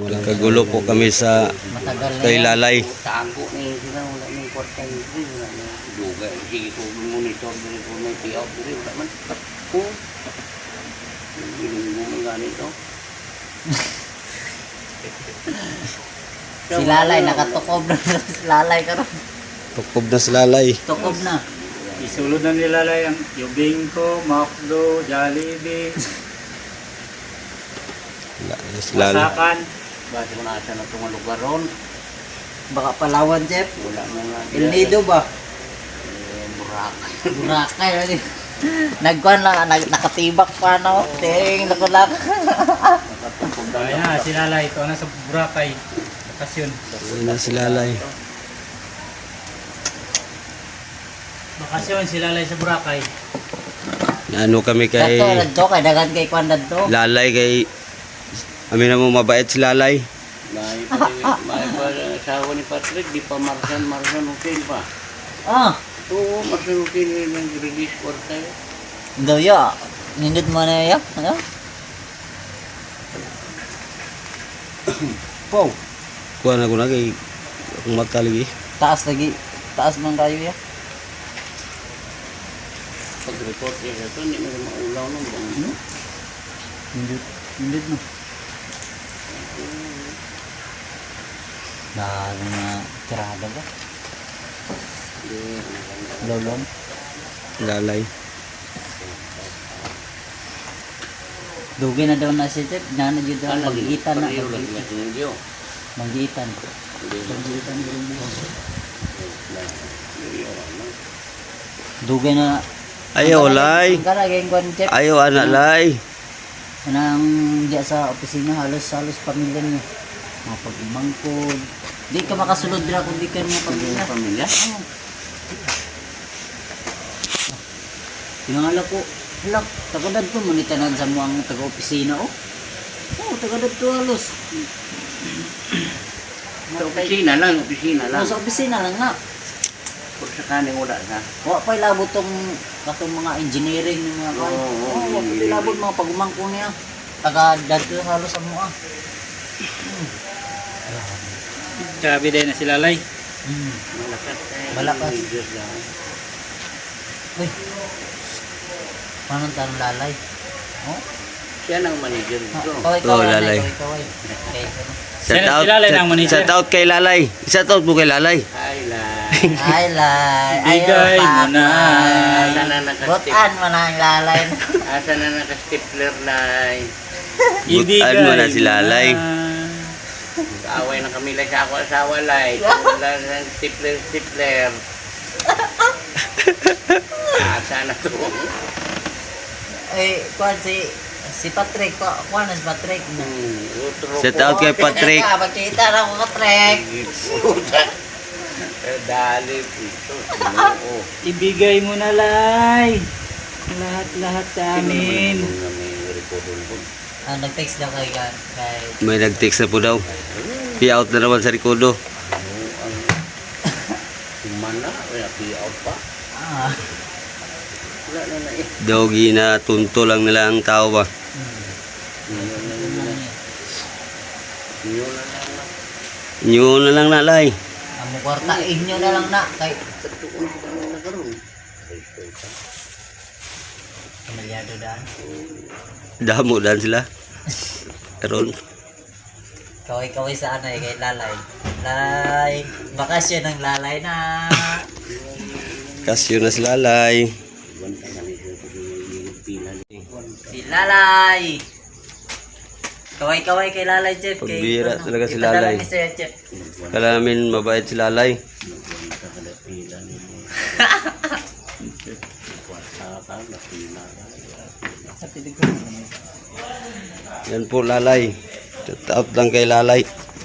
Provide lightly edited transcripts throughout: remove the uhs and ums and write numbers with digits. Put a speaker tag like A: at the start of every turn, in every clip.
A: Kagulo po kami sa kay Lalay.
B: Tago ni sila wala ning kwarta ni wala na duga sige ko monitor diri ko may tiyaw diri wala man ko hindi mo ganito.
C: Si Lalay nakatukob na si Lalay karon.
A: Tukob na si Lalay.
C: Tukob na.
D: Isulod na nila lang yung Bingko, Macdo, Jollibee,
A: Si Lalay.
D: Masakan.
B: Basta mo na sa natong lugar ron
C: Baka Palawan, Jeff.
B: wala na nga
C: El Nido ba?
B: Boracay.
C: Boracay lagi. Nagkuhan lang, nakatibak pa no. Ting, nakulak.
D: Kaya na, si Lalay, ito na sa Boracay. Bakasyon.
A: Ayun na si Lalay.
D: Bakasyon si Lalay sa Boracay.
A: Ano kami kay
C: Dato, nagto kay dagan kay kwan dadto.
A: Lalay kay amin na mo mabait si Lalay.
B: May pa asawa ni Patrick di pa Marsan okay pa.
C: Ah,
B: Oo, Marsan okay nang release kwarta.
C: daw ya. Nindot mo na ya. Ano? Po,
A: Kuha na ko na kay akong mata lagi.
C: taas lagi. Taas man kayo ya.
B: Pag-report niya ito, hindi mo maulaw nung bang.
C: Nindot no. Dahil na tirada ba? Lolong.
A: Lalay.
C: Dugi na daw na si Jeff. Nana dito daw. Magigitan na.
B: Pag-iyo lang niya sinigyo.
C: Magigitan.
B: Hindi na.
C: Magigitan din mo.
B: Iyo, ano.
C: Dugi na.
A: Ayaw Lay.
C: Ang karagay kwan Jeff.
A: Ayaw anak Lay.
C: Nang diya sa opisina halos pamilya niya. Mga pagmangkod. Di ka makasulod dira kung di ka mga pamilya.
B: Pamilya?
C: Oo. Tinangala ko, halak, tagadad ko, manitanan sa mga taga-opisina, oh. Oo, tagadad ko halos.
B: Sa opisina lang, opisina lang.
C: Oo, sa opisina lang nga.
B: Kung sa kaning wala sa.
C: Wa pa ilabot tong katong mga engineering ng mga kan.
B: Oo,
C: Oo, wa pa
B: engineering.
C: ilabot mga pagumangko niya. Tagadad ko halos sa mga.
D: Grabe din na si Lalay.
B: Malakas tayo.
C: Malakas.
B: Leaders lang.
C: Uy. Paano tanong Lalay? Oh?
B: Siya nang manager dito.
C: Kaway,
A: Oo, Lalay.
C: kaway. Okay.
A: Shout
D: Si
A: out.
D: Lalay ng manager.
A: Shout out kay Lalay. Shout out mo kay Lalay.
B: Hi, Lai.
C: Ay, Lay.
D: Ibigay mo na.
B: Asa na nakastip.
C: Butan mo na ang Lalay.
B: Asa na nakastipler, Lai.
A: Butaan mo na si Lalay.
B: Kaaway na kami lang sa ako asawa, Lai. Wala na stipler. Asa na to.
C: Eh, kuan si Patrick, kuan na si Patrick.
A: Shout out kay Patrick.
C: Magkita na ako Patrick.
B: Dali ito. Oo.
D: Ibigay mo na, Lay. Lahat-lahat sa amin.
C: Nag-text daw kay
A: May nag-text na po daw. Pi-out na naman sa Ricodo.
B: Mana? Wala out pa.
C: ah,
B: Wala na na eh.
A: Dogi na tunto lang nila ang tao ba.
B: Yun na lang.
A: Inyo na lang na Lay.
C: ang kwarta inyo na lang na kay
B: Tatuon ko kami na karoon.
C: kamalyado daan.
A: Damo dan sila. Karon.
C: Kaway-kaway sa ano kay Lalay. Lay, bakasyon ng Lalay na.
A: Kasyo na si Lalay.
C: Si Lalay. Kaway-kaway kay Lalay, Jeff.
A: Pagbira talaga si
C: ipadala
A: Lalay.
C: ni Sir Jeff.
A: Kala namin mabait si Lalay. Yan po Lalay. Shout out lang kay Lalay.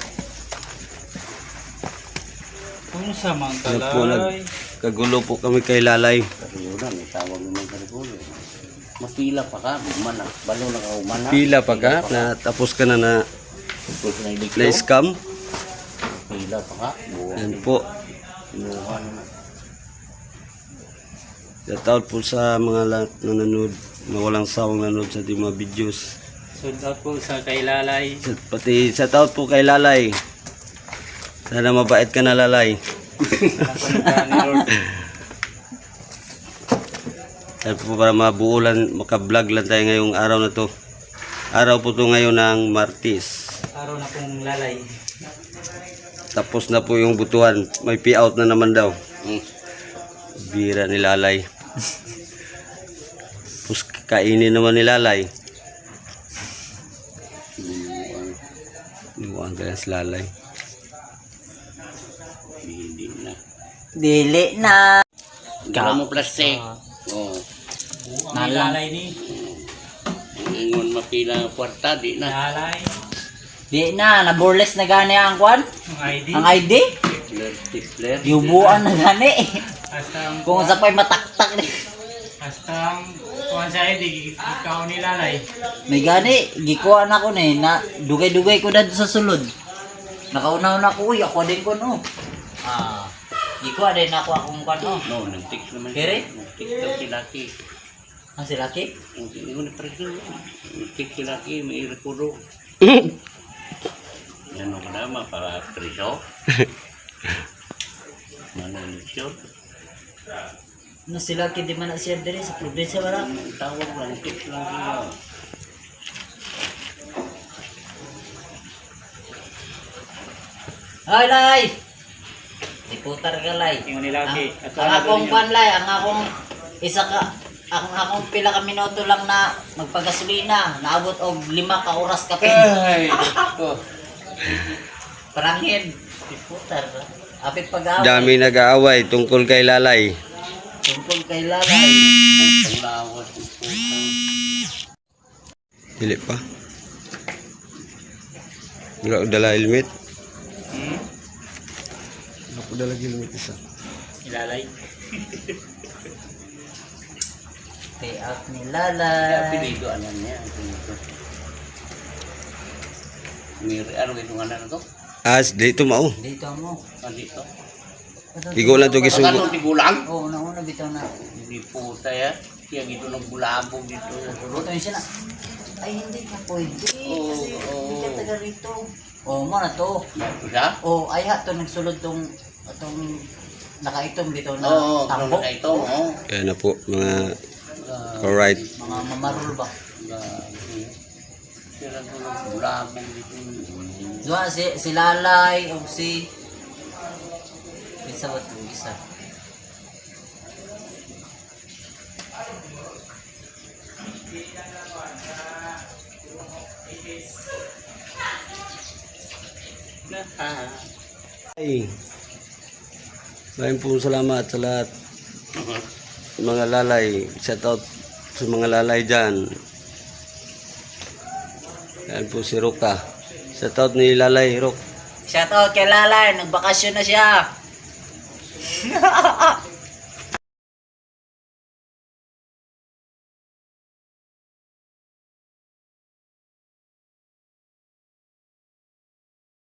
D: Kung sa mga
A: Yan po
D: Lalay.
A: kagulo po kami kay Lalay.
B: Yun may tawag naman sa rekulo. Mapila pa ka, umana. Balo na ka umana.
A: Pila pa ka na tapos ka na na
B: Tapos na iliklo.
A: scam.
B: Pila pa ka.
A: Yan po.
B: Inuha na.
A: Shout out po sa mga lahat na nanood, na walang sawang nanood sa ating mga videos.
D: Shout out po sa kay Lalay.
A: Pati sa taot po kay Lalay. Sana mabait ka na, Lalay.
D: Napalitan ni Lord.
A: Sana po para mabuulan, makablog lang tayo ngayong araw na to. Araw po to ngayon ng Martis.
D: Araw na pong Lalay.
A: Tapos na po yung butuhan. May payout na naman daw.
B: Hmm.
A: Bira ni Lalay. Tapos kainin naman ni Lalay. Iwan ka si Lalay.
B: Hindi na.
C: Dili na.
B: Gala mo plastic. Oh.
D: Buang ni Lalay ni.
B: Ingon mapila ang kwarta, di na.
D: Lalay.
C: Di na, naburles na gani ang kwan.
D: Ang ID.
C: Ang ID.
B: Tipler.
C: Yubuan na gani.
D: Hasta ang
C: Kung sa pa'y mataktak ni.
D: hasta ang kuhan sa ID. Ikaw ni Lalay.
C: May gani, gikuha na ko ni. Na, dugay-dugay ko na sa sulod. Nakaunaw na ko, uy, ako din ko no. Ah, gikuha din ako akong kwan no.
B: No, nag-text naman.
C: Kere?
B: Nag-text daw si Lucky.
C: Ang si Lucky?
B: Ingon na preso. Nag-text si Lucky, may rekordo. Yan ang kadama para preso. Manalisyon.
C: No, si Lucky di man na siya din sa probinsya wala.
B: Ang tawag lang, text lang sila.
C: Ay, Lay! Iputar ka, Lay.
D: Ingon ni Lucky.
C: Ang akong kwan, Lay, ang akong isa ka, ang akong pila ka minuto lang na magpagasolina, naabot og 5 ka oras ka pin.
B: Ay, ko.
C: Paranghin. Iputar ka. Apit pag-away.
A: Dami nag-aaway tungkol kay Lalay.
C: Tungkol kay Lalay.
B: Putang lawas, putang.
A: Dili pa. Wala ko dala helmet. Wala ko dala helmet isa.
D: Ni Lalay.
C: Pay out ni
B: Kaya
C: Lalay.
B: pinito, alam niya. Pinito. Ano itong anak na to?
A: Dito mao.
C: Dito mo.
B: Andito.
A: Igo lang to
B: Pagkano
A: gisugo.
B: tigulang?
C: Oo, nauna bitaw na.
B: Hindi puta ya. Kaya gito nagbulabog dito.
C: Ruto yun siya na. Ay, hindi ka pwede.
B: Oo,
C: Kasi
B: oo.
C: hindi ka taga rito. Oo, mo na to.
B: Ito siya?
C: Oo, ay ha, to nagsulod tong nakaitong bitaw na
B: Oo,
C: tambok.
B: kung ito. Oo.
A: Kaya na po mga
B: Ah,
A: alright.
C: Mga mamarul ba?
B: Kaya ito nagbulabog dito.
C: Doon si Lalay o si isa ba ito? Isa.
A: Ay. Maraming po salamat sa lahat. Mga Lalay. Shout out sa mga Lalay dyan. Yan po si Roka. Shout out ni Lalay, Rok.
C: Shout out kay Lalay, nagbakasyon na siya.